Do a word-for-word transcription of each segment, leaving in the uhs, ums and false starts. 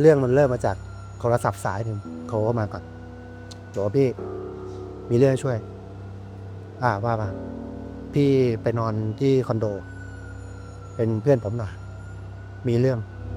เรื่องมันเริ่มมาจากโทรศัพท์สายหนึ่งโทรเข้ามาก่อนบอกว่าพี่มีเรื่องช่วยอ่าว่ามาพี่ไปนอนที่คอนโดเป็นเพื่อนผมหน่อยมีเรื่อง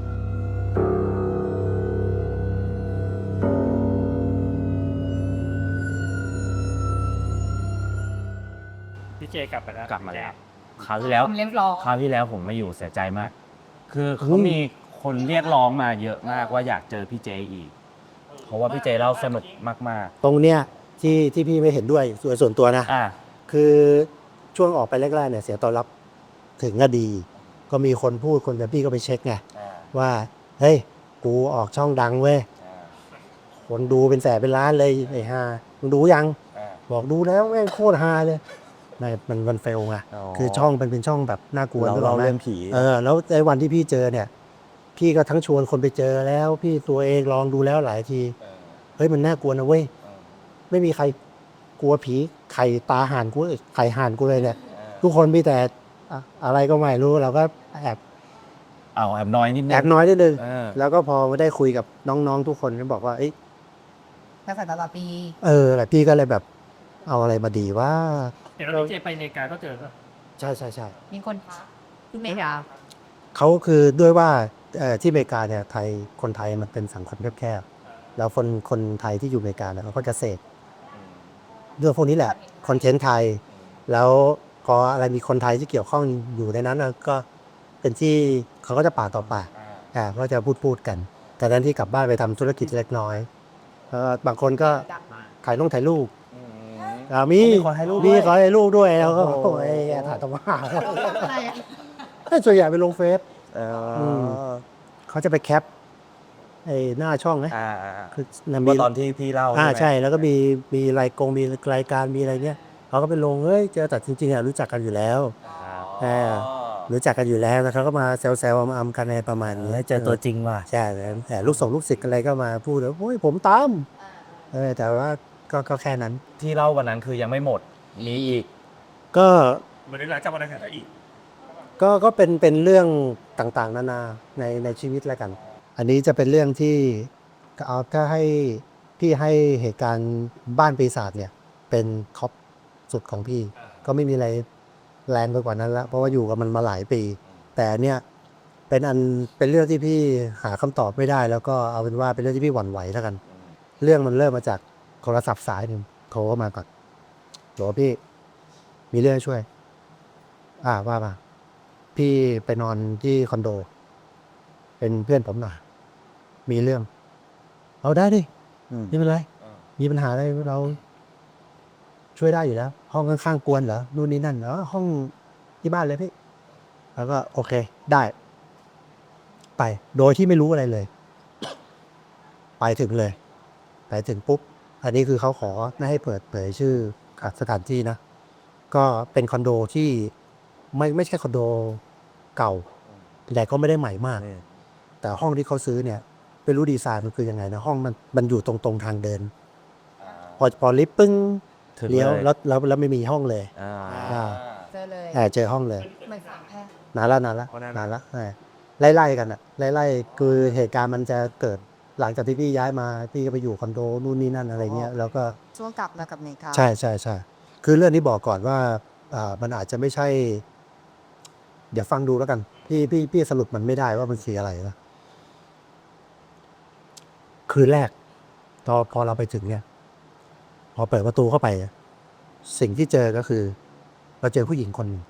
พี่เจกลับไปแล้วกลับมาแล้วคราวที่แล้วเรียบร้อยคราวที่แล้วผมไม่อยู่เสียใจมาก คือเขามีคนเรียกร้องมาเยอะมากว่าอยากเจอพี่เจอีก เพราะว่าพี่เจเล่าสนุกมากตรงเนี้ยที่ที่พี่ไม่เห็นด้วยส่วนส่วนตัวนะๆอ่าคือช่วงออกไปแรกๆเนี่ยเสียงตอบรับถึงก็ดี ก็มีคนพูดคนแต่พี่ก็ไปเช็คไงว่าเฮ้ยกูออกช่องดังเว้ยคนดูเป็นแสนเป็นล้านเลยไอ้ห่ามึงดูยังบอกดูแล้วแม่งโคตรฮาเลยไม่มันมันเฟลไงคือช่องเป็นเป็นช่องแบบน่ากลัวเราเราเรื่องผีเออแล้วในวันที่พี่เจอเนี่ย พี่ก็ทั้งชวนคนไปเจอแล้ว พี่ตัวเองลองดูแล้วหลายทีเฮ้ยมันน่ากลัวนะเว้ยไม่มีใครกลัวผีไข่ตาห่านกูไข่ห่านกูเลยเนี่ยทุกคนมีแต่อะอะไรก็ไม่รู้เราก็แอบเอาแอบน้อยนิดนึงแอบน้อยนิดนึงเออแล้วก็พอมาได้คุยกับน้องๆทุกคนก็บอกว่าเอ้ยกระแสตลอดปีเออแหละพี่ก็เลยแบบเอาอะไรมาดีว่าเห็นว่าพี่เจไปอเมริกาก็เจอก็ใช่ใช่ใช่มีคนทักที่เมกาเขาคือด้วยว่าเอ่อที่อเมริกาเนี่ยไทยคนไทยมันเป็นสังคมแคบๆแล้วคนคนไทยที่อยู่อเมริกาเนี่ยเขาก็จะเสพเรื่องพวกนี้แหละคอนเทนต์ไทย แล้วพออะไรมีคนไทยที่เกี่ยวข้องอยู่ในนั้นน่ะก็เป็นที่เขาก็จะปากต่อปากอ่าก็จะพูดพูดกัน แต่นั้นที่กลับบ้านไปทำธุรกิจเล็กน้อยเออบางคนก็ถ่ายลงถ่ายรูปอ่ามีมีคนถ่ายรูปด้วยมีขอถ่ายรูปด้วยแล้วก็โอ้โหโอ้ยถ่ายตรงมาอะไรอะส่วนใหญ่ไปลงเฟซเออม เขาจะไปแคปไอ้หน้าช่องนะอ่าอ่าคือนะเมื่อตอนที่พี่เล่าอ่าไหมใช่แล้วก็มีมีรายกงมีรายการมีอะไรเงี้ยเขาก็ไปลงเฮ้ยเจอแต่จริงๆอ่ะรู้จักกันอยู่แล้วอ๋อรู้จักกันอยู่แล้วแล้วเขาก็มาแซวๆมาอำกันในประมาณนี้เจอตัวจริงว่ะใช่แต่ลูกส่งลูกศิษย์อะไรก็มาพูดว่าโอ้ยผมตามเออแต่ว่าก็ก็แค่นั้นที่เล่าวันนั้นคือยังไม่หมด มีอีกก็เหมือนหลังจากวันนั้นก็อีกก็ก็เป็นเป็นเรื่องต่างๆ นานาในในชีวิตแล้วกัน อันนี้จะเป็นเรื่องที่เอาถ้าให้พี่ให้เหตุการณ์บ้านปีศาจเนี่ย เป็นท็อปสุดของพี่ ก็ไม่มีอะไรแรงไปกว่านั้นแล้วเพราะว่าอยู่กับมันมาหลายปี แต่เนี่ยเป็นอันเป็นเรื่องที่พี่หาคำตอบไม่ได้ แล้วก็เอาเป็นว่าเป็นเรื่องที่พี่หวั่นไหวแล้วกัน เรื่องมันเริ่มมาจากโทรศัพท์สายหนึ่งโทรเข้ามาก่อนบอกว่าพี่มีเรื่องช่วย อ่าว่ามาพี่ไปนอนที่คอนโด เป็นเพื่อนผมหน่อยมีเรื่อง เอาได้ดิอืมไม่เป็นไร มีปัญหาอะไรเราช่วยได้อยู่แล้ว ห้องข้างๆกวนเหรอนู่นนี่นั่นเหรอห้องที่บ้านเลยพี่ แล้วก็โอเคได้ ไป โดยที่ไม่รู้อะไรเลย ไปถึงเลย ไปถึงปุ๊บ อันนี้คือเขาขอไม่ให้เปิดเผยชื่อสถานที่นะ ก็เป็นคอนโดที่ไม่ไม่ใช่คอนโดเก่า แต่ก็ไม่ได้ใหม่มาก แต่ห้องที่เขาซื้อเนี่ยไม่รู้ดีไซน์มันคือยังไงนะห้องมันมันอยู่ตรงตรงทางเดิน พอพอลิฟต์ปึ้งถึงเลี้ยวเลยแล้วแล้วแล้วไม่มีห้องเลยอ่าอ่าเจอเลยแอบเจอห้องเลยเหมือนสามแพร่นานละนานละเพราะนั้นนานละใช่ไล่ๆกันอะไล่ๆคือเหตุการณ์มันจะเกิดหลังจากที่พี่ย้ายมาพี่ก็ไปอยู่คอนโดนู่นนี่นั่นอะไรเงี้ยแล้วก็ช่วงกลับมากับเมกาใช่ใช่ใช่คือเรื่องนี้บอกก่อนว่าอ่ามันอาจจะไม่ใช่ เดี๋ยวฟังดูแล้วกัน พี่พี่พี่สรุปมันไม่ได้ว่ามันคืออะไรนะคืนแรกตอนพอเราไปถึงเนี่ย พอเปิดประตูเข้าไป สิ่งที่เจอก็คือ เราเจอผู้หญิงคนหนึ่ง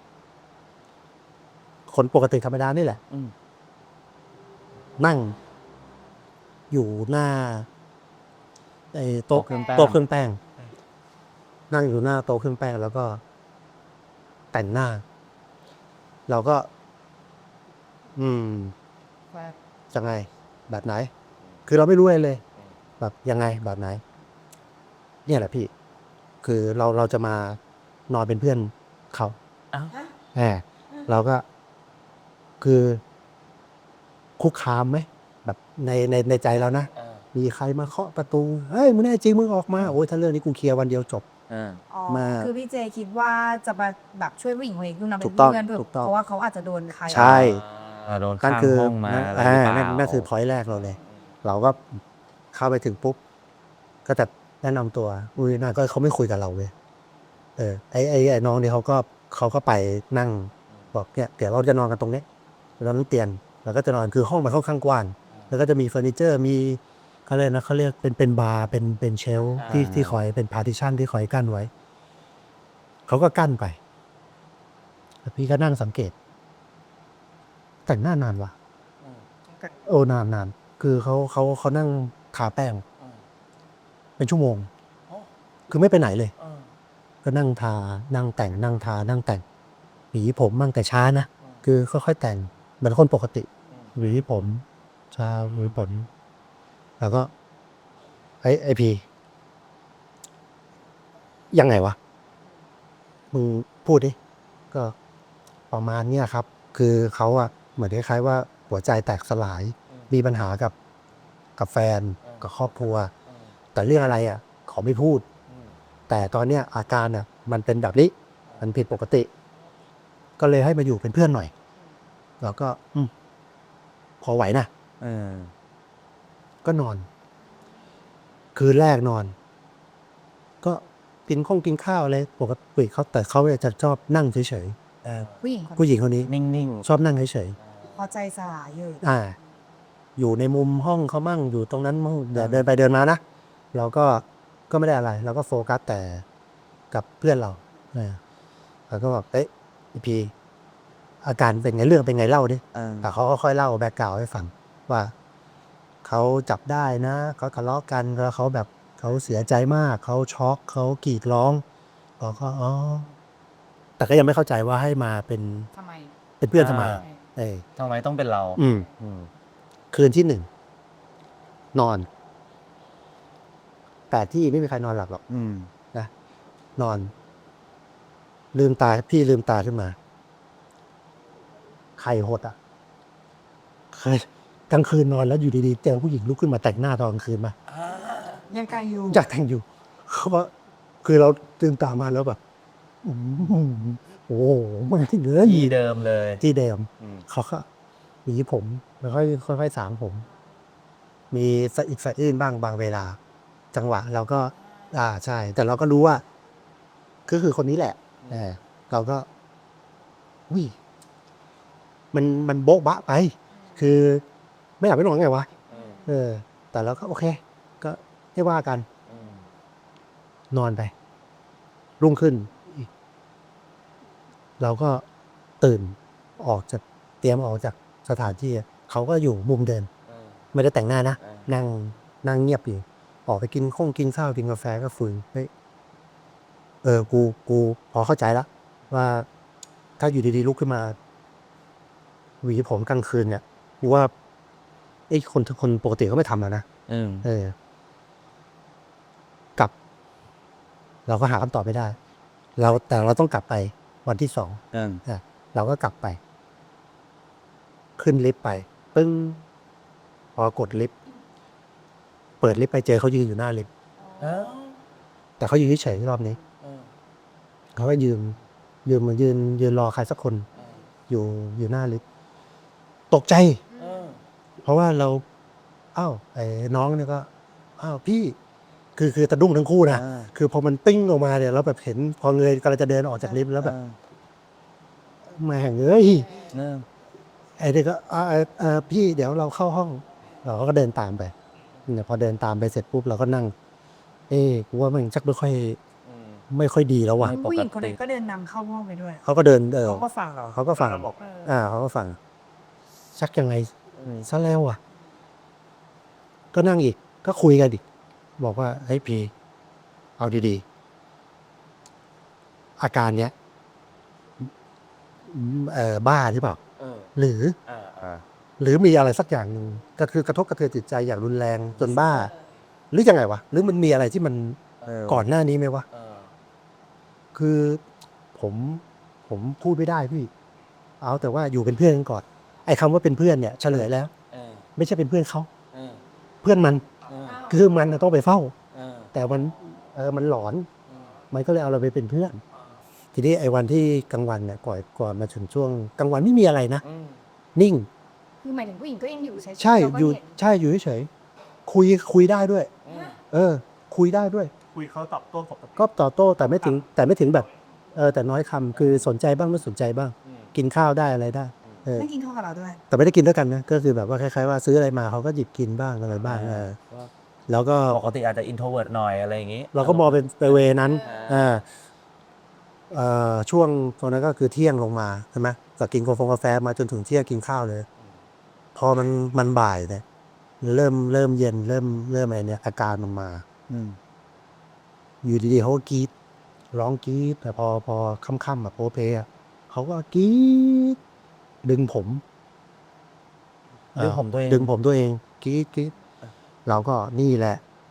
คนปกติธรรมดานี่แหละอืมนั่ง อยู่หน้าไอ้โต๊ะโต๊ะเครื่องแป้งโต๊ะเครื่องแป้ง นั่งอยู่หน้าโต๊ะเครื่องแป้งแล้วก็แต่งหน้า เราก็ อืมแบบจะไง แบบไหน คือเราไม่รู้อะไรเลย แบบยังไงแบบไหน เนี่ยแหละพี่ คือเราเราจะมานอนเป็นเพื่อนเขาอ้าวแหมเราก็ คือ คุกคามไหมแบบในในในใจเรานะ มีใครมาเคาะประตู เฮ้ยมึงแน่จริงมึงออกมา โอ้ยถ้าเรื่องนี้กูเคลียร์วันเดียวจบอ่าอ๋อมาคือพี่เจคิดว่าจะมาแบบช่วยผู้หญิงคนนี้คือนาเป็ถูนกต้องเพื่อนด้วยถูกต้องเพราะว่าเขาอาจจะโดนใครใช่อ่าโดนนั่ข้าน งคือห้องมานั่นอะไรอ่าหรือเปล่านั่นนั่นคือพอยต์แรกเราเลยเราก็เข้าไปถึงปุ๊บก็จะแนะนำตัวอุ้ยน่าก็เขาไม่คุยกับเราเว้ยเออไอไอไอน้องนี่เขาก็เขาก็ไปนั่งบอกเนี่ยเดี๋ยวเราจะนอนกันตรงนี้นอนบนเตียงเราก็จะนอนคือห้องมันค่อนข้างกว้างแล้วก็จะมีเฟอร์นิเจอร์มีเขาเรียกนะเขาเรียกเป็นเป็นบาร์เป็นเป็นเชลฟ์ที่ที่คอยเป็นพาร์ติชันที่คอยกั้นไว้เขาก็กั้นไปแล้วพี่ก็นั่งสังเกต แต่งหน้านานวะโอ้นานนานคือเขาเขาเขานั่งทาแป้งเป็นชั่วโมง คือไม่ไปไหนเลย ก็นั่งทานั่งแต่งนั่งทานั่งแต่งหวีผมมั่งแต่ช้านะคือค่อยๆแต่งเหมือนคนปกติหวีผมชาหวีผมแล้วก็ไอไอพียังไงวะมึงพูดดิก็ประมาณเนี้ยครับ คือเขาอะเหมือนคล้ายๆว่าหัวใจแตกสลาย มีปัญหากับกับแฟนกับครอบครัว แต่เรื่องอะไรอะขอไม่พูด แต่ตอนเนี้ยอาการอะมันเป็นแบบนี้ มันผิดปกติ ก็เลยให้มาอยู่เป็นเพื่อนหน่อย แล้วก็ อืมพอไหวนะเออก็นอน คืนแรกนอน ก็กินข้องกินข้าวอะไรปกติเขาแต่เขาจะชอบนั่งเฉยเออผู้หญิงคนๆผู้หญิงคนนี้นิ่งชอบนั่งเฉยพอใจสลายอยู่ๆอ่า อยู่ในมุมห้องเขามั่งอยู่ตรงนั้นมั่งเดี๋ยวเดินไปเดินมานะเราก็ก็ไม่ได้อะไร เราก็โฟกัสแต่กับเพื่อนเราเออเราก็บอกเอ๊ะอีพีอาการเป็นไงเรื่องเป็นไงเล่าดิๆเออแต่เขาก็ค่อยเล่าแบ็กกราวด์ให้ฟังว่าเขาจับได้นะเขาทะเลาะกันแล้วเขาแบบเขาเสียใจมากเขาช็อกเขากรีดร้องเราก็อ๋อแต่ก็ยังไม่เข้าใจว่าให้มาเป็นทำไมเป็นเพื่อนทำไมอ่าเออทำไมต้องเป็นเราอืมอืมคืนที่หนึ่งนอน แต่ที่ไม่มีใครนอนหลับหรอกอืมนะนอน ลืมตาพี่ลืมตาขึ้นมาไข่หดอ่ะเคยกลางคืนนอนแล้วอยู่ดีๆเจอผู้หญิงลุกขึ้นมาแต่งหน้าตอนกลางคืนมายังไกลอยู่อยากแต่งอยู่เขาบอกคือเราตื่นตามาแล้วแบบอืมโอ้โหมันที่เหลือที่เดิมเลยที่เดิมอืมเขาก็หวีผมแล้วค่อยค่อยๆสางผม มีสะอิดสะอื้นบ้างบางเวลา จังหวะเราก็ อ่าใช่ แต่เราก็รู้ว่าก็คือคนนี้แหละเออเราก็อุ้ยมันมันโบ๊ะบะไป คือไม่อยากไปนอนไงวะอืมเออ แต่เราก็โอเค ก็ไม่ว่ากันอืมนอนไป รุ่งขึ้นอีกเราก็ตื่นออกจากเตรียมออกจากสถานที่อะเขาก็อยู่มุมเดินเออไม่ได้แต่งหน้านะเออนั่งนั่งเงียบอยู่ ออกไปกินข้งกินข้าวกินกาแฟก็คุยเฮ้ยเออ กูกูพอเข้าใจแล้วว่าถ้าอยู่ดีๆลุกขึ้นมาหวีผมกลางคืนเนี่ยกูว่าไอ้คนคนปกติเขาไม่ทำแล้วนะเออเออ กลับ เราก็หาคำตอบไม่ได้ เราแต่เราต้องกลับไปวันที่สองเอออ่ะเราก็กลับไป ขึ้นลิฟต์ไป ปึ้ง พอกดลิฟต์เปิดลิฟต์ไปเจอเขายืนอยู่หน้าลิฟต์เออแต่เขายืนเฉยๆรอบนี้เออเขาก็ยืนยืนเหมือนยืนยืนรอใครสักคน อยู่อยู่หน้าลิฟต์ตกใจเออเพราะว่าเราอ้าวไอ้น้องเนี่ยก็อ้าวพี่ คือคือตะดุ้งทั้งคู่นะอ่าคือพอมันปิ้งออกมาเนี่ยแล้วแบบเห็นพอเงยกำลังจะเดินออกจากลิฟต์แล้วแบบแม่งเอ้ยเออไอ้เด็กก็อ่าเอ่อเอ่อพี่เดี๋ยวเราเข้าห้อง เราก็เดินตามไปเนี่ยพอเดินตามไปเสร็จปุ๊บเราก็นั่ง เอ้กูว่ามันชักไม่ค่อยอืมไม่ค่อยดีแล้วว่ะไม่ผู้หญิงคนนั้นก็เดินนำเข้าห้องไปด้วยเขาก็เดินเออเขาก็ฟังเราเขาก็ฟังบอกอ่าเขาก็ฟัง ชักยังไงอืมซะแล้วอ่ะ ก็นั่งอีก ก็คุยกันอีก บอกว่าเฮ้ยพีเอาดีๆ อาการเนี้ยเอ่อบ้าหรือเปล่าเออหรือเออเออหรือมีอะไรสักอย่างหนึ่งก็คือกระทบกระเทือนจิตใจอย่างรุนแรงจนบ้า หรือยังไงวะ หรือมันมีอะไรที่มันเออก่อนหน้านี้ไหมวะเออคือผมผมพูดไม่ได้พี่ เอาแต่ว่าอยู่เป็นเพื่อนกันก่อน ไอ้คำว่าเป็นเพื่อนเนี่ยเฉลยแล้วเออไม่ใช่เป็นเพื่อนเขาเออเพื่อนมันเออคือมันน่ะต้องไปเฝ้าเออแต่มันเออมันหลอนเออมันก็เลยเอาเราไปเป็นเพื่อน ทีนี้ไอ้วันที่กลางวันเนี่ยก่อนก่อนมาถึงช่วงกลางวันไม่มีอะไรนะอืมนิ่งคือหมายถึงผู้หญิงก็ยังอยู่ใช่ใช่เราก็อยู่เห็นใช่อยู่เฉยคุยคุยได้ด้วย เออ คุยได้ด้วยคุยเขาตอบโต้ปกติก็ต่อโต้แต่ไม่ถึงแต่ไม่ถึงแบบเออแต่น้อยคำคือสนใจบ้างไม่สนใจบ้าง กินข้าวได้อะไรได้เออไม่กินข้าวกับเราด้วยแต่ไม่ได้กินด้วยกันนะก็คือแบบว่าคล้ายๆว่าซื้ออะไรมาเขาก็หยิบกินบ้างอะไรบ้างเออแล้วก็ปกติอาจจะ introvert หน่อยอะไรอย่างงี้เราก็มองเป็นไปเวนั้นอ่าอ่าเอ่อช่วงตรงนั้นก็คือเที่ยงลงมาใช่ไหมจากกินกาแฟกาแฟมาจนถึงเที่ยงกินข้าวเลย พอมันมันบ่ายเนี่ยเริ่มเริ่มเย็นเริ่มเริ่มอะไรเนี่ยอาการมันมาอืมอยู่ดีๆเขาก็กรีดร้องกรีดแต่พอพอค่ำๆแบบโพเพอะเขาก็กรีดดึงผมดึงผมตัวเองดึงผมตัวเองกรีดกรีดเราก็นี่แหละ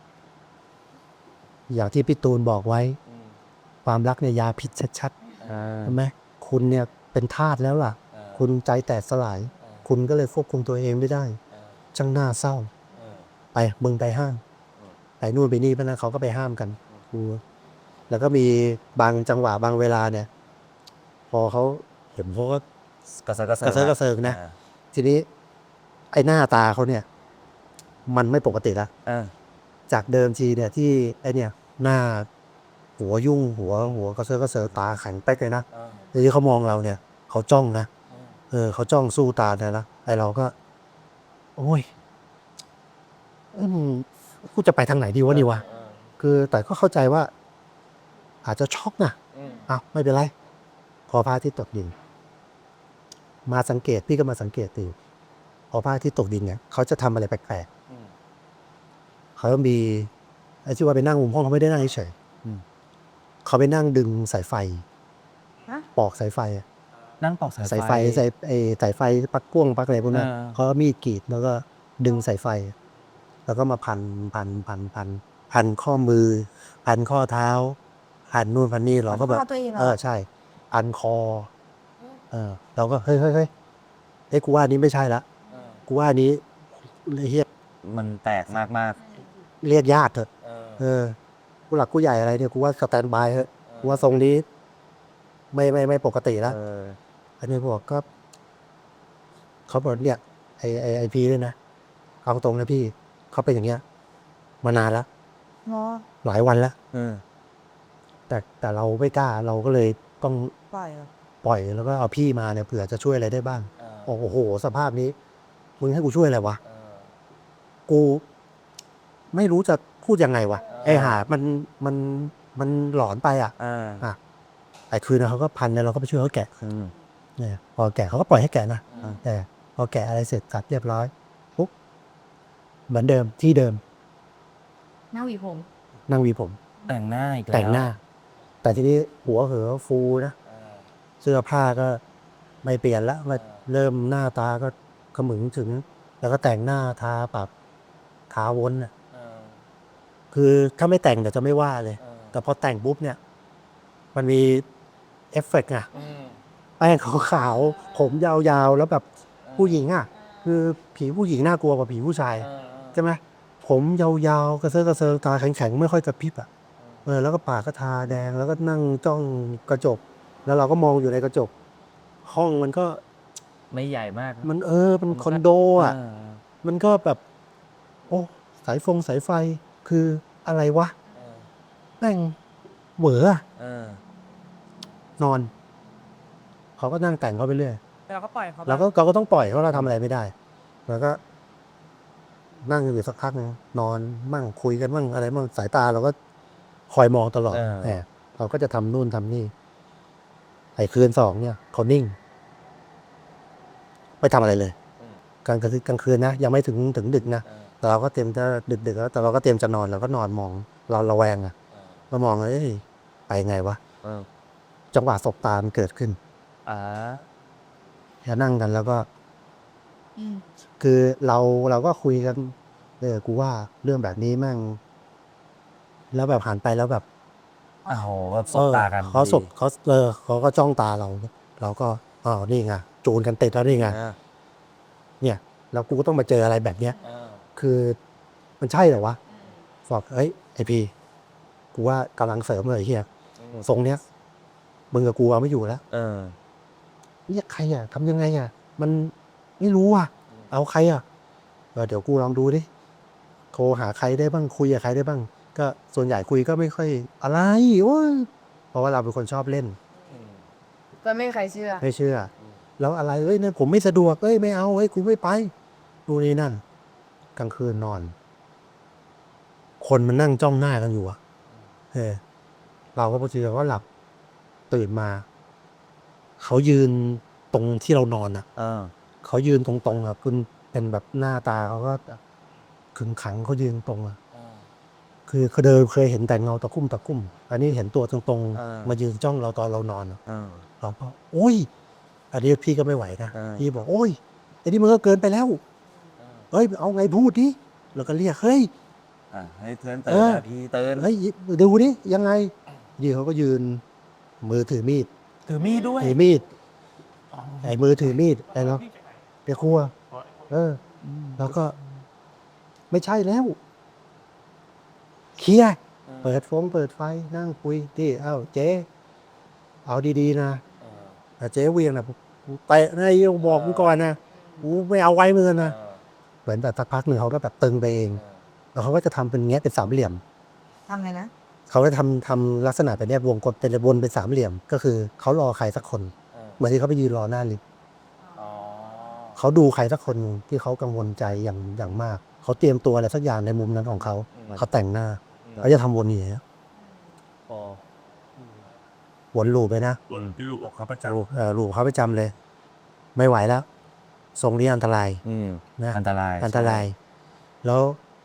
อย่างที่พี่ตูนบอกไว้ ความรักเนี่ยยาพิษชัดอ่าๆใช่ไหมคุณเนี่ยเป็นทาสแล้วล่ะ คุณใจแตกสลาย คุณก็เลยควบคุมตัวเองไม่ได้จังหน้าเศร้า ไปมึงไปห้ามไปนู่นไปนี่เพราะนั้นเขาก็ไปห้ามกันกูแล้วก็มีบางจังหวะบางเวลาเนี่ย พอเขาเห็นเขาก็กระเซาะกระเซิกระเซิร์กระเซิงนะ ทีนี้ ไอ้หน้าตาเขาเนี่ย มันไม่ปกติละอ่าจากเดิมทีเนี่ยที่ไอ้เนี่ย หน้า หัวยุ่งหัว หัวกระเซิร์กระเซิงตาแข็งเป๊กเลยนะทีนี้เขามองเราเนี่ยเขาจ้องนะเออเขาจ้องสู้ตาเนี่ยนะไอเราก็ โอ้ยอืมกูจะไปทางไหนดีวะนี่วะคือแต่ก็เข้าใจว่า อาจจะช็อกนะอ้าวไม่เป็นไร พอพระอาทิตย์ตกดิน มาสังเกตพี่ก็มาสังเกตดูพอพระอาทิตย์ตกดินเนี่ยเขาจะทำอะไรแปลกๆเขามีไอ้ที่ว่าไปนั่งมุมห้องเขาไม่ได้นั่งเฉยๆเขาไปนั่งดึงสายไฟฮะปอกสายไฟอะนั่งปอกสายสายไฟสายไอ้สายไฟปลั๊กพ่วงปลั๊กอะไรพวกนั้นอ่าเขาก็มีดกรีดแล้วก็ดึงสายไฟ แล้วก็มาพันพันพันพันพันข้อมือ พันข้อเท้า พันนู่นพันนี่เราก็แบบพันข้อตัวเองเหรอเออใช่ พันคอ เออ เราก็เฮ้ยเฮ้ยเฮ้ยเฮ้ยกูว่าอันนี้ไม่ใช่ละกูว่าอันนี้เรียกมันแตกมากมากเรียกญาติเถอะๆเออเออผู้หลักผู้ใหญ่อะไรเนี่ยกูว่าสแตนบายเถอะกูว่าทรงนี้ ไม่ไม่ไม่ปกติแล้วเอออันนี้บอกก็เขาบอกเนี่ยไอไอไอพีด้วยนะเอาตรงนะพี่เขาเป็นอย่างเงี้ย มานานแล้วเนาะหลายวันแล้วเออแต่แต่เราไม่กล้าเราก็เลยต้องปล่อยเหรอปล่อยแล้วก็เอาพี่มาเนี่ยเผื่อจะช่วยอะไรได้บ้างเออโอ้โห สภาพนี้ มึงให้กูช่วยอะไรวะเออกู ไม่รู้จะพูดยังไงวะเออไอหามันมันมันหลอนไปอ่ะอ่าอ่ะไอคืนนั้นเขาก็พันเนี่ยเราก็ไปช่วยเขาแกะอืมเนี่ยพอแกะเขาก็ปล่อยให้แกะนะอ่าแต่พอแกะอะไรเสร็จสัดเรียบร้อยปุ๊บเหมือนเดิมที่เดิมหน้าหวีผมนั่งหวีผมแต่งหน้าอีกแล้วแต่งหน้า แต่ทีนี้หัวเหอฟูนะเออเสื้อผ้าก็ไม่เปลี่ยนละมาเออเริ่มหน้าตาก็ขมึงถึง แล้วก็แต่งหน้าทาปากทาวนน่ะเออคือถ้าไม่แต่งเดี๋ยวจะไม่ว่าเลยเออแต่พอแต่งปุ๊บเนี่ย มันมีเอฟเฟกต์อะอืมแป้งขาวๆผมยาวๆ แล้วแบบผู้หญิงอะคือผีผู้หญิงน่ากลัวกว่าผีผู้ชายเออใช่ไหมผมยาวๆกระเซาะกระเซิงตาแข็งๆไม่ค่อยกระพริบอะเออแล้วก็ปากก็ทาแดงแล้วก็นั่งจ้องกระจก แล้วเราก็มองอยู่ในกระจก ห้องมันก็ไม่ใหญ่มากมันเออมันคอนโดอ่ะเมันก็แบบ โอ้สายฟงสายไฟคืออะไรวะเออแม่งเหวออะเออนอน เขาก็นั่งแต่งเขาไปเรื่อยเราก็ปล่อยเขาไปเราก็เราก็ต้องปล่อยเพราะเราทำอะไรไม่ได้ แล้วก็ นั่งอยู่สักพักนึงนอนมั่งคุยกันมั่งอะไรมั่งสายตาเราก็คอยมองตลอดเออแหมเราก็จะทำนู่นทำนี่ไอ้คืนสองเนี่ยเขานิ่ง ไม่ทำอะไรเลยอืมกลางคืนกลางคืนนะยังไม่ถึงถึงดึกนะเออแต่เราก็เตรียมจะดึกดึกๆแล้วแต่เราก็เตรียมจะนอนเราก็นอนมอง เราระแวงอะเออเรามองเอ้ยไปไงวะเออจังหวะสบตามันเกิดขึ้นอ่าจะนั่งกันแล้วก็อืมคือเราเราก็คุยกันเออกูว่าเรื่องแบบนี้แม่ง แล้วแบบหันไปแล้วแบบอ้าวแบบสบตากันเออเขาสบดีเขาเออเขาก็จ้องตาเรา เราก็อ๋อนี่ไงจูนกันติดแล้วนี่ไงอ่าเนี่ยแล้วกูก็ต้องมาเจออะไรแบบเนี้ยเออคือมันใช่เหรอวะบอกเอ้ยไอพีกูว่ากำลังเสริมเลยไอ้เฮียทรงเนี้ยมึงกับกูเอาไม่อยู่แล้วเออเนี่ยใครอ่ะทำยังไงอ่ะ มันไม่รู้อ่ะ เอาใครอ่ะเออเดี๋ยวกูลองดูดิโทรหาใครได้บ้างคุยกับใครได้บ้าง ก็ส่วนใหญ่คุยก็ไม่ค่อยอะไรโอ้ยเพราะว่าเราเป็นคนชอบเล่นก็ไม่มีใครเชื่อไม่เชื่อ แล้วอะไรเอ้ยเนี่ยผมไม่สะดวกเอ้ยไม่เอาเอ้ยกูไม่ไปดูนี่นั่น กลางคืนนอน คนมันนั่งจ้องหน้ากันอยู่อะเออเราก็พอทีเราก็หลับตื่นมา เขายืนตรงที่เรานอนอะเออเขายืนตรงๆอะคุณเป็นแบบหน้าตาเขาก็ขึงขังเขายืนตรงอะคือเขาเดินเคยเห็นแต่เงาตะคุ่มตะคุ่ม อันนี้เห็นตัวตรงเออๆ มายืนจ้องเราตอนเรานอนอะเออเราก็โอ้ย อันนี้พี่ก็ไม่ไหวนะเออพี่บอกโอ้ยไอ้นี่มันก็เกินไปแล้วเฮ้ยเอาไงพูดดิแล้วก็เรียกเฮ้ยอ่ะให้เตือนเตืเออนอนะพี่เตือนเฮ้ยดูดิยังไงดีเขาก็ยืน มือถือมีดถือมีดด้วยถือมีดไอ้มือถือมีดไอ้เนาะไปครัว เออ แล้วก็ ไม่ใช่แล้วเคลียร์เปิดฟงเปิดไฟนั่งคุยที่เอ้าเจ๊เอาดีๆนะแต่เจ๊เวียงนะกูเตะนะไอ้บอกมึงก่อนนะกูไม่เอาไว้มือนะเหมือนแบบสักพักหนึ่งเขาก็แบบตึงไปเอง แล้วเขาก็จะทำเป็นแงะเป็นสามเหลี่ยมทำไงนะเขาจะทำทำลักษณะแบบเนี้ยวงกลมเป็นวนเป็นสามเหลี่ยม ก็คือเขารอใครสักคน เหมือนที่เขาไปยืนรอหน้าลิฟต์อ๋อเขาดูใครสักคนที่เขากังวลใจอย่างอย่างมาก เขาเตรียมตัวอะไรสักอย่างในมุมนั้นของเขา เขาแต่งหน้าเขาจะทำวนอย่างนี้ยพอวนลูปไปนะส่วนที่ลูกของเขาประจลูปเออลูปเขาไปจำเลย ไม่ไหวแล้ว ทรงนี้อันตรายอืมนะอันตรายอันตราย แล้ว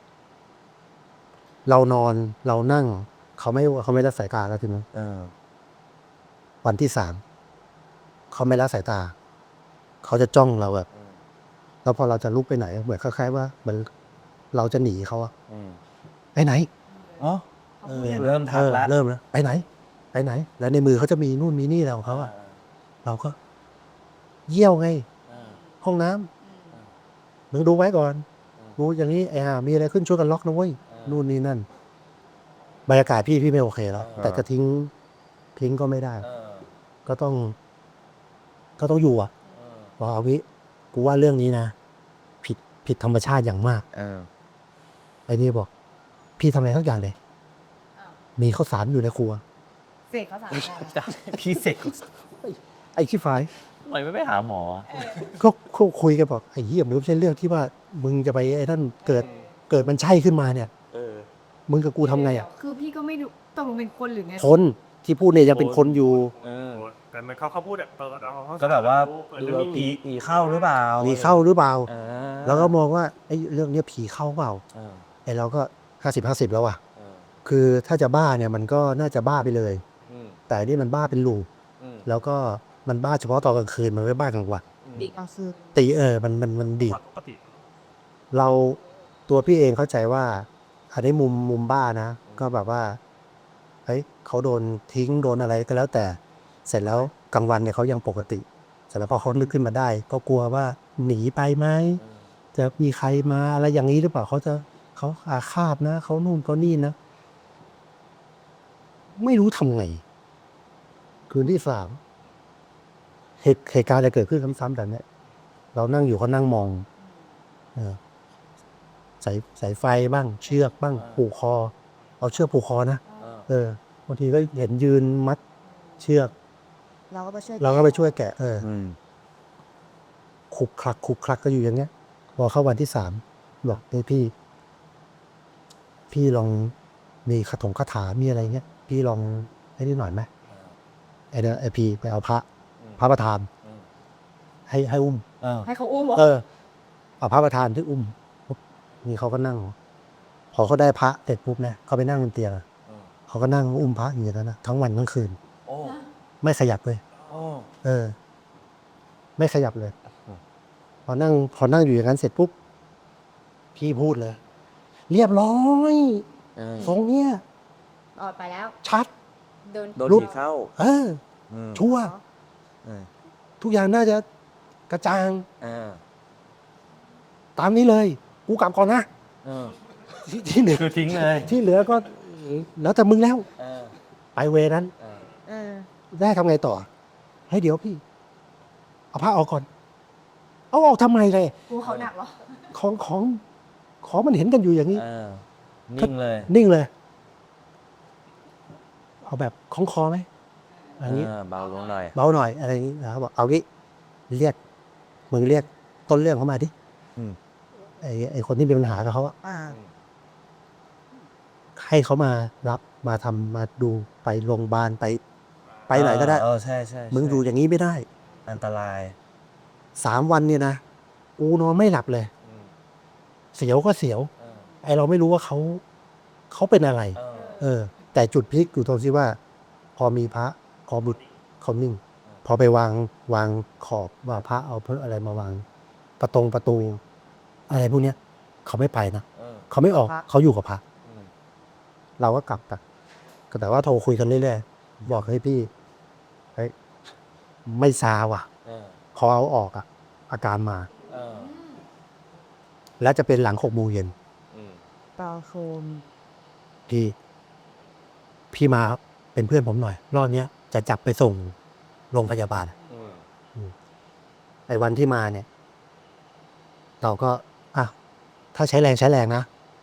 เรานอนเรานั่ง เขาไม่เขาไม่ละสายตาแล้วทีนี้เออวันที่สามเขาไม่ละสายตา เขาจะจ้องเราแบบ แล้วพอเราจะลุกไปไหน เหมือนคล้ายๆว่าเหมือนเราจะหนีเขาอะอืมไปไหนอ๋อเออเริ่มทักเออแล้วเริ่มแล้วไปไหน ไปไหน แล้วในมือเขาจะมีนู่นมีนี่อะไรของเขาอะเราก็ เยี่ยวไง ห้องน้ำมึงดูไว้ก่อนดูอย่างนี้ไอ้ห่ามีอะไรขึ้นช่วยกันล็อกนะเว้ยนู่นนี่นั่นบรรยากาศพี่พี่ไม่โอเคแล้ว แต่จะทิ้ง ทิ้งก็ไม่ได้ ก็ต้อง ก็ต้องอยู่อ่ะบอกเอาวิกูว่าเรื่องนี้นะผิดผิดธรรมชาติอย่างมากเออไอ้นี่บอก พี่ทำอะไรทั้งอย่างเลย มีข้าวสารอยู่ในครัวเสกเขาสามคนพี่เสกไอ้ขี้ฝายทำไมไม่ไปหาหมออะก็ก็คุยกันบอกไอ้เหี้ยมันไม่ใช่เรื่องที่ว่า มึงจะไปไอ้นั่นเกิดเกิดมันใช่ขึ้นมาเนี่ยเออมึงกับกูทำไงอ่ะคือพี่ก็ไม่รู้ตกลงเป็นคนหรือไงคนที่พูดเนี่ยยังเป็นคนอยู่เออำแต่มันเขาเขาพูดแบบเปิดเอาเขาก็แบบว่าเปิดดูเรื่องว่านี้ผีผีเข้าหรือเปล่ามีเข้าหรือเปล่าเออแล้วก็มองว่าไอ้เรื่องเนี้ยผีเข้าเปล่าเออไอ้เราก็ห้าสิบห้าสิบแล้วอ่ะเออคือถ้าจะบ้าเนี่ยมันก็น่าจะบ้าไปเลยอืมแต่อันนี่มันบ้าเป็นลูปอืมแล้วก็มันบ้าเฉพาะตอนกลางคืนมันไม่บ้ากลางวันดีกว่าคือตีเออมันมันมันดีดปกติเราตัวพี่เองเข้าใจว่าอันนี้มุมมุมบ้านะ ก็แบบว่าเฮ้ยเขาโดนทิ้งโดนอะไรก็แล้วแต่ เสร็จแล้วกลางวันเนี่ยเขายังปกติเสร็จแล้วพอเขานึกขึ้นมาได้ ก็กลัวว่าหนีไปไหมจะมีใครมาอะไรอย่างนี้หรือเปล่าเขาจะเขาอาฆาตนะเขานู่นเขานี่นะ ไม่รู้ทำไง คืนที่สามเหตุเหตุการณ์จะเกิดขึ้นซ้ำๆแบบเนี้ยเรานั่งอยู่เขานั่งมอง เออสายสายไฟบ้าง เชือกบ้าง ผูกคอ เอาเชือกผูกคอนะเออเออบางทีก็เห็นยืนมัดเชือกเราก็ไปช่วยเราก็ไปช่วยแกะ เอออืมขุกคลักขุกคลักก็อยู่อย่างเงี้ย พอเข้าวันที่สามบอกเฮ้ยพี่ พี่ลองมีคาถงคาถามีอะไรเงี้ย พี่ลองไอ้นี่หน่อยไหมไอ้เนี่ยไอพี่ไปเอาพระ พระประธานอืมให้ให้อุ้มเออให้เขาอุ้มเหรอเออเอาพระประธานที่อุ้มปุ๊บนี่เขาก็นั่ง พอเขาได้พระเสร็จปุ๊บเนี่ยเขาไปนั่งบนเตียงอะเออเขาก็นั่งอุ้มพระอย่างนั้นนะทั้งวันทั้งคืนโอ้ไม่ขยับเลยโอ้เออ ไม่ขยับเลยอืมพอนั่ง พอนั่งอยู่อย่างนั้นเสร็จปุ๊บพี่พูดเลย เรียบร้อยเออทรงเนี้ยออกไปแล้วชัดเดินโดนลุกผีเข้าเอออืมชัวร์เออทุกอย่างน่าจะกระจ่างเออตามนี้เลย กูกลับก่อนนะเออที่ที่เหลือคือทิ้งเลยที่เหลือก็ แล้วแต่มึงแล้วเออไปเวนั้นเออเออได้ทำไงต่อ ให้เดี๋ยวพี่ เอาผ้าออกก่อน เอาออกทำไมเลยกูเขาหนักเหรอของของของมันเห็นกันอยู่อย่างนี้เออนิ่งเลยนิ่งเลย เอาแบบคล้องคอไหมอะไรอย่างนี้เออเบาลงหน่อยเบาหน่อยอะไรอย่างนี้นะครับบอกเอางี้เรียกมึงเรียกต้นเรื่องเขามาดิอืมไอ้ไอ้คนที่มีปัญหากับเขาอะอ่าให้เขามารับมาทำมาดูไปโรงพยาบาลไป ไปไหนก็ได้เออใช่ใช่มึงอยู่อย่างนี้ไม่ได้อันตรายสามวันเนี่ยนะกูนอนไม่หลับเลยอืมเสียวก็เสียวเออไอเราไม่รู้ว่าเขาเขาเป็นอะไรเออเออ แต่จุดพลิกอยู่ตรงที่ว่า พอมีพระขอบุตรเขานิ่ง พอไปวางวางขอบว่าพระเอาเพื่ออะไรมาวาง ประตงประตู อะไรพวกเนี้ยเขาไม่ไปนะเออเขาไม่ออกพระเขาอยู่กับพระอืมเราก็กลับไปก็แต่ว่าโทรคุยกันเรื่อยๆบอกเฮ้ยพี่เฮ้ยไม่ซาว่ะเออพอเอาออกอะอาการมาเออแล้วจะเป็นหลังหกโมงเย็นอืมปาโคมพี่ พี่มาเป็นเพื่อนผมหน่อย รอบเนี้ยจะจับไปส่งโรงพยาบาลอืมไอ้วันที่มาเนี่ย เราก็อ่ะถ้าใช้แรงใช้แรงนะ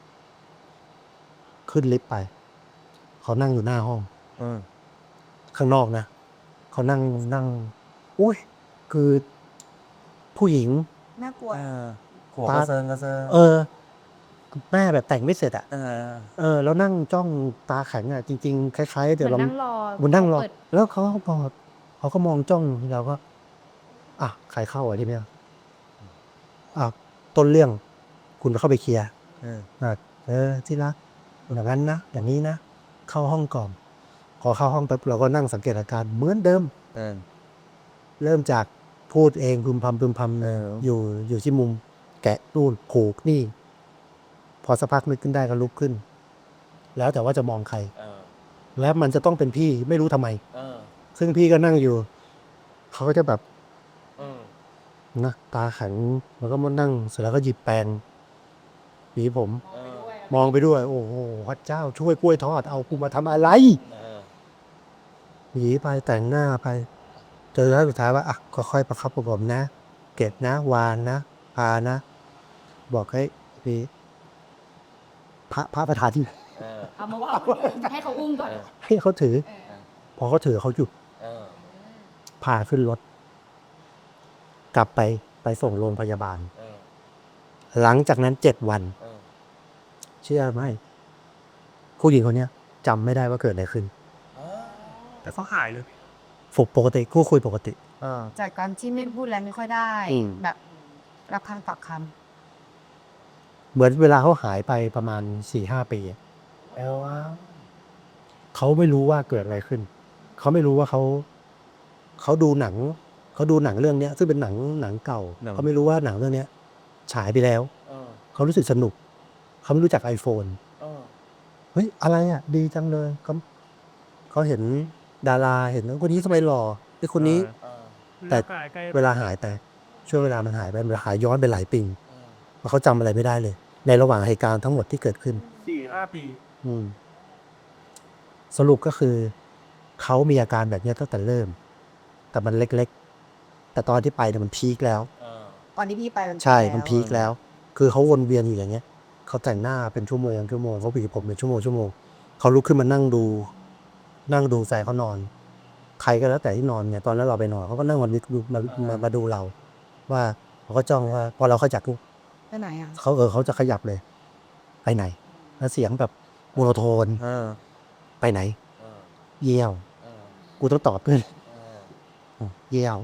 ขึ้นลิฟต์ไป เขานั่งอยู่หน้าห้องอืมข้างนอกนะเขานั่งนั่ง อุ้ย คือผู้หญิงน่ากลัวเออหัวกระเซิงกระเซิงเออ แม่แบบแต่งไม่เสร็จอะเออเออ แล้วนั่งจ้องตาแข็งอะจริงๆ คล้ายๆเหเดี๋ยวมือนเรานั่งรอมันนั่งรอเปิดแล้วเขาก็เขาก็มองจ้องเราก็ อ่ะใครเข้าอ่ะที่เนี่ยอ่ะต้นเรื่อง คุณเข้าไปเคลียร์เอออ่ะเออที่รักอย่างนั้นนะอย่างนี้นะ เข้าห้องก่อนพอเข้าห้องปุ๊บเราก็นั่งสังเกตอาการเหมือนเดิมเออเริ่มจากพูดเองพึมพำพึมพำเอออยู่อยู่ที่มุม แกะนู่นผูกนี่ พอสักพักนึกขึ้นได้ก็ลุกขึ้น แล้วแต่ว่าจะมองใครเออและมันจะต้องเป็นพี่ไม่รู้ทำไมเออซึ่งพี่ก็นั่งอยู่ เขาก็จะแบบเออนะตาแข็งแล้วก็มานั่งเสร็จแล้วก็หยิบแปรงหวีผมเออมองไปด้วย โอ้โหพระเจ้าช่วยกล้วยทอดเอากูมาทำอะไรเออหวีไปแต่งหน้าไปเจอแล้วสุดท้ายว่าอ่ะค่อยๆประคับประหงมนะ เก็บนะ วานนะพานะ บอกให้พี่พระพระประธานที่เออเอามาว่าให้เขาอุ้มก่อนเออให้เขาถือเออพอเขาถือเขาหยุดเออพาขึ้นรถ กลับไปไปส่งโรงพยาบาลเออหลังจากนั้นเจ็ดวันเออเชื่อไหมผู้หญิงคนเนี้ยจำไม่ได้ว่าเกิดอะไรขึ้นแต่เขาหายเลยฝึกปกติคู่คุยปกติเออจากการที่ไม่พูดแล้วไม่ค่อยได้อืมแบบรับคำตอบคเหมือนเวลาเขาหายไปประมาณสี่ห้าปีอะเอลว่าเขาไม่รู้ว่าเกิดอะไรขึ้น เขาไม่รู้ว่าเขาเขาดูหนัง เขาดูหนังเรื่องเนี้ย ซึ่งเป็นหนังหนังเก่า เขาไม่รู้ว่าหนังเรื่องเนี้ย ฉายไปแล้วเออเขารู้สึกสนุก เขาไม่รู้จัก iPhone เออเฮ้ยอะไรอ่ะ ดีจังเลยเขาเขาเห็นดาราเห็นคนนี้ทำไมหล่อไอ้คนนี้เออแต่ใกล้ใกล้เวลาหายไปช่วงเวลามันหายไปมันหายย้อนไปหลายปีเออเพราะเขาจำอะไรไม่ได้เลย ในระหว่างเหตุการณ์ทั้งหมดที่เกิดขึ้นสี่ห้าปีอืม สรุปก็คือ เขามีอาการแบบเนี้ยตั้งแต่เริ่ม แต่มันเล็กๆ แต่ตอนที่ไปเนี่ยมันพีคแล้วเออำตอนที่พี่ไปมันใช่แล้วมันพีคแล้ว คือเขาวนเวียนอยู่อย่างเงี้ย เขาแต่งหน้าเป็นชั่วโมงชั่วโมงเขาหวีผมเป็นชั่วโมงชั่วโมงเขาลุกขึ้นมานั่งดู นั่งดูแฟนเขานอน ใครก็แล้วแต่ที่นอนเนี่ย ตอนนั้นเราไปนอนเขาก็นั่งมาดูมามามาดูเรา ว่าเขาก็จ้องว่า พอเราขยับปุ๊บไปไหนอ่ะเขาเออเขาจะขยับเลย ไปไหน แล้วเสียงแบบโมโนโทนเออไปไหนเออเยี่ยวเออกูต้องตอบเพื่อนเออเยี่ยว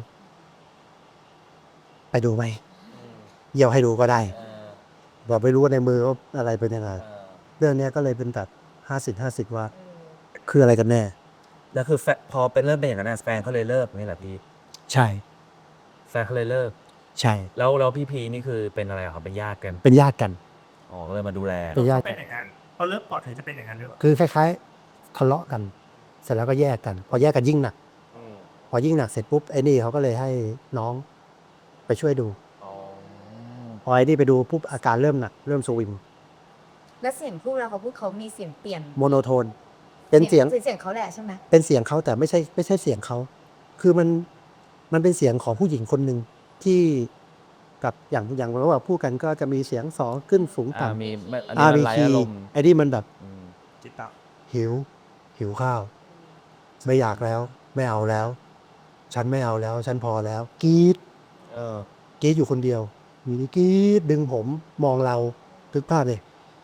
ไปดูไหมอืมเยี่ยวให้ดูก็ได้เออบอกไม่รู้ว่าในมือว่าอะไรเป็นยังไงเออเรื่องเนี้ยก็เลยเป็นแบบห้าสิบห้าสิบว่า คืออะไรกันแน่แล้วคือแฟนพอเป็นเริ่มเป็นอย่างนั้นนะแฟนเขาเลยเลิกนี่แหละพี่ใช่แฟนเขาเลยเลิกใช่แล้วแล้วพี่พีนี่คือเป็นอะไรอะครับเป็นญาติกันเป็นญาติกันอ๋อก็เลยมาดูแลเป็นญาติเป็นอย่างนั้นเขาเลิกปอดถึงจะเป็นอย่างนั้นหรือเปล่าคือคล้ายๆทะเลาะกัน เสร็จแล้วก็แยกกัน พอแยกกันยิ่งหนักอืมพอยิ่งหนักเสร็จปุ๊บไอ้นี่เขาก็เลยให้น้องไปช่วยดูอ๋อพอไอ้นี่ไปดูปุ๊บอาการเริ่มหนัก เริ่มสวิงและเสียงพูดแล้วเขาพูดเขามีเสียงเปลี่ยนโมโนโทน เป็นเสียงเสียงเขาแหละใช่ไหมเป็นเสียงเขาแต่ไม่ใช่ไม่ใช่เสียงเขา คือมันมันเป็นเสียงของผู้หญิงคนหนึ่งที่กับอย่างอย่างเราว่าพูดกันก็จะมีเสียงสองขึ้นสูงอ่าต่ำมีมันอันอ่านี้มีมันไร้คีอารย์มณ์ไอ้นี่มันแบบอืมจิตตะหิว หิวข้าว ไม่อยากแล้ว ไม่เอาแล้ว ฉันไม่เอาแล้ว ฉันพอแล้วกรีดเออกรีดอยู่คนเดียวอยู่ดีกรีดดึงผมมองเราทึกภาพเลย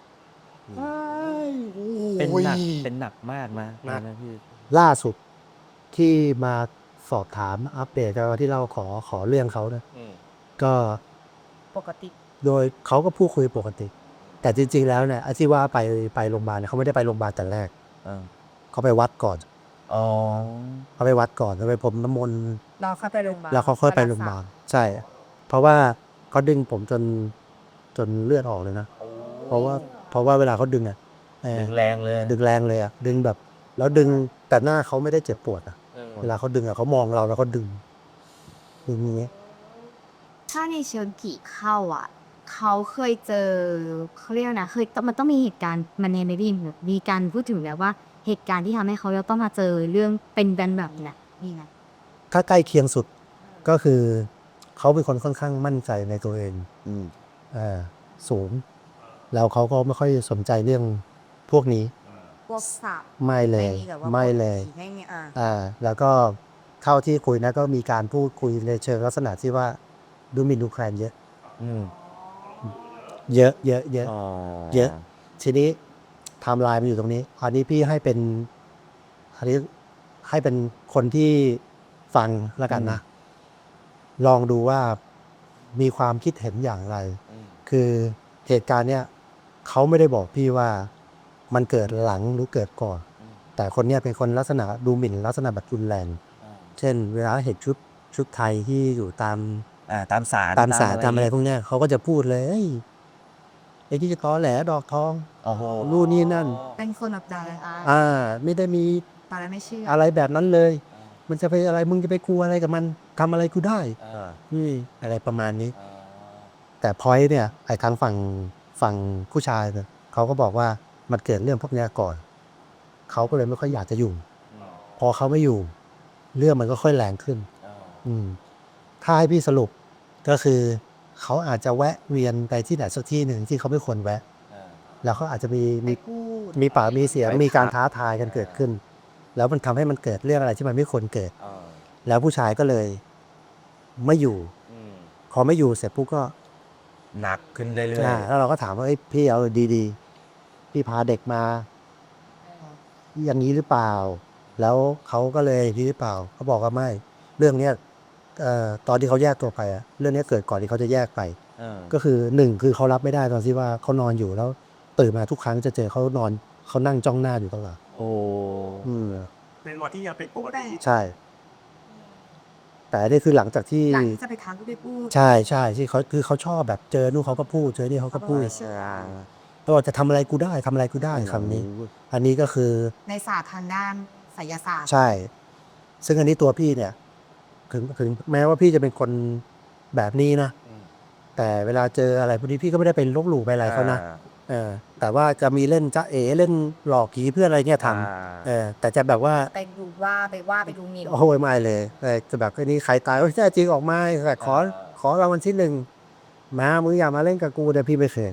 เป็นหนักโอ้ยเป็นหนักมากนะหนักนะพี่ล่าสุดที่มาสอบถามอัปเดตกันที่เราขอขอเรื่องเขานะก็ปกติโดยเขาก็พูดคุยปกติ แต่จริง ๆ แล้วเนี่ยไอ้ที่ว่าไปไปโรงพยาบาลเนี่ยเขาไม่ได้ไปโรงพยาบาลแต่แรกเออเขาไปวัดก่อนอ๋อเขาไปวัดก่อนแล้วไปพรมน้ำมนต์เราเข้าไปโรงพยาบาลแล้วเขาค่อยไปโรงพยาบาลใช่ เพราะว่าเขาดึงผมจนจนเลือดออกเลยนะ เพราะว่าเพราะว่าเวลาเขาดึงอ่ะเอ่อดึงแรงเลยดึงแรงเลยอ่ะดึงแบบ แล้วดึงแต่หน้าเขาไม่ได้เจ็บปวดอ่ะเออเวลาเขาดึงอ่ะเขามองเราแล้วเขาดึงดึงอย่างเงี้ยถ้าในเชิงผีเข้าอ่ะ เขาเคยเจอเขาเรียกว่านะเคยมันต้องมีเหตุการณ์มันในในรีมมีการพูดถึงแล้วว่าเหตุการณ์ที่ทำให้เขาจะต้องมาเจอเรื่องเป็นแบบแบบนี้นี่ไงถ้าใกล้เคียงสุดก็คือเขาเป็นคนค่อนข้างมั่นใจในตัวเองอืมอ่าสูง แล้วเขาก็ไม่ค่อยสนใจเรื่องพวกนี้พวกสับไม่เลยไม่มีแบบว่าไม่เลยไม่มีอ่าอ่า แล้วก็เข้าที่คุยนะก็มีการพูดคุยในเชิงลักษณะที่ว่าดูหมินดูแคลนเยอะอืมเยอะเยอะเยอะอ๋อเยอะ ทีนี้ไทม์ไลน์มันอยู่ตรงนี้ อันนี้พี่ให้เป็นอันนี้ให้เป็นคนที่ฟังแล้วกันนะ ลองดูว่ามีความคิดเห็นอย่างไรอืมคือเหตุการณ์เนี้ยเขาไม่ได้บอกพี่ว่ามันเกิดหลังหรือเกิดก่อน แต่คนเนี้ยเป็นคนลักษณะดูหมิ่นลักษณะแบบรุนแรงอ่าเช่น เวลาเห็นชุดชุดไทยที่อยู่ตามอ่า ตามสารตามสารตามอะไรย่งพวกเนี้ยเขาก็จะพูดเลยเอ้ยไอ้ที่จะตอแหลดอกทองโอ้โหนู่นนี่นั่นเป็นคนแบบดาราอ่า ไม่ได้มีตอนแรกไม่เชื่ออะไรแบบนั้นเลย มันจะไปอะไรมึงจะไปกลัวอะไรกับมันทำอะไรกูได้เออนี่อะไรประมาณนี้เออแต่พอยต์เนี่ยไอ้ทางฝั่งฝั่งผู้ชายเนี่ยเขาก็บอกว่ามันเกิดเรื่องพวกเนี้ยก่อน เขาก็เลยไม่ค่อยอยากจะอยู่ พอเขาไม่อยู่ เรื่องมันก็ค่อยแรงขึ้นเอออืม ถ้าให้พี่สรุปก็คือ เขาอาจจะแวะเวียนไปที่ไหนสักที่หนึ่งที่เขาไม่ควรแวะเออแล้วเขาอาจจะมีไปมีพูดมีปากมีเสียงไปมีการทักท้าทายกันเกิดขึ้น แล้วมันทำให้มันเกิดเรื่องอะไรที่มันไม่ควรเกิดเออแล้วผู้ชายก็เลยไม่อยู่อืมพอไม่อยู่เสร็จปุ๊บก็หนักขึ้นเรื่อยอ่าแล้วเราก็ถามว่าเอ้ยพี่เอาดีๆ พี่พาเด็กมา อย่างนี้หรือเปล่า แล้วเขาก็เลยนี่หรือเปล่า เขาบอกว่าไม่ เรื่องเนี้ยเอ่อตอนที่เขาแยกตัวไปอะเรื่องเนี้ยเกิดก่อนที่เขาจะแยกไปๆเออก็คือหนึ่งคือเขารับไม่ได้ตอนที่ว่าเขานอนอยู่แล้วตื่นมาทุกครั้งจะเจอเขานอนเขานั่งจ้องหน้าอยู่ตลอดโอ้อืมเป็นวันที่ยังเป็นปกติใช่ แต่อันนี่คือหลังจากที่หลังที่จะไปทักก็ไปพูดใช่ใช่ที่เขาคือเขาชอบแบบเจอนู่นเขาก็พูดเจอนี่เขาก็พูดเชื่อเขาบอกจะทำอะไรกูได้ทำอะไรกูได้คำนี้ อันนี้ก็คือในศาสตร์ทางด้านไสยศาสตร์ใช่ ซึ่งอันนี้ตัวพี่เนี่ย ถึงถึงแม้ว่าพี่จะเป็นคนแบบนี้นะอืมแต่เวลาเจออะไรพวกนี้พี่ก็ไม่ได้เป็นลบหลู่ไปอะไรเขานะอ่เออ แต่ว่าจะมีเล่นจะเอเล่นหลอกผีเพื่อนอะไรเนี่ยทอ่าำเออ แต่จะแบบว่าไปดูว่าไปว่าไปดูหมิ่นโอ้โหไม่เลยแต่จะแบบไอ้นี่ใครตายโอ้ยแน่จริงออกมาแต่ขอขอรางวัลที่หนึ่งมามึงอย่ามาเล่นกับกูเดี๋ยวพี่ไม่เคย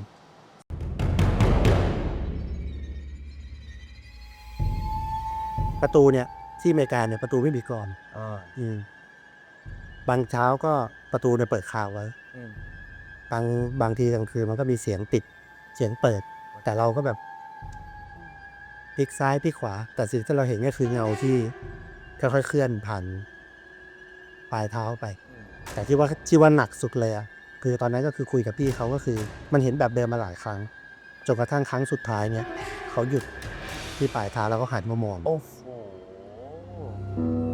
ประตูเนี่ย ที่อเมริกาเนี่ยประตูไม่มีกรอนอ่าอืมบางเช้าก็ประตูเนี่ยเปิดข่าวไว้อืมบางบางทีกลางคืนมันก็มีเสียงปิด เสียงเปิด แต่เราก็แบบพลิกซ้ายพลิกขวา แต่สิ่งที่เราเห็นก็คือเงาที่ค่อยๆเคลื่อนผ่านปลายเท้าไปอืมแต่ที่ว่าที่ว่าหนักสุดเลยอะคือตอนนั้นก็คือคุยกับพี่เขาก็คือ มันเห็นแบบเดิมมาหลายครั้งจนกระทั่งครั้งสุดท้ายเนี่ยเขาหยุดที่ปลายเท้าแล้วก็หันมามองโอ้โห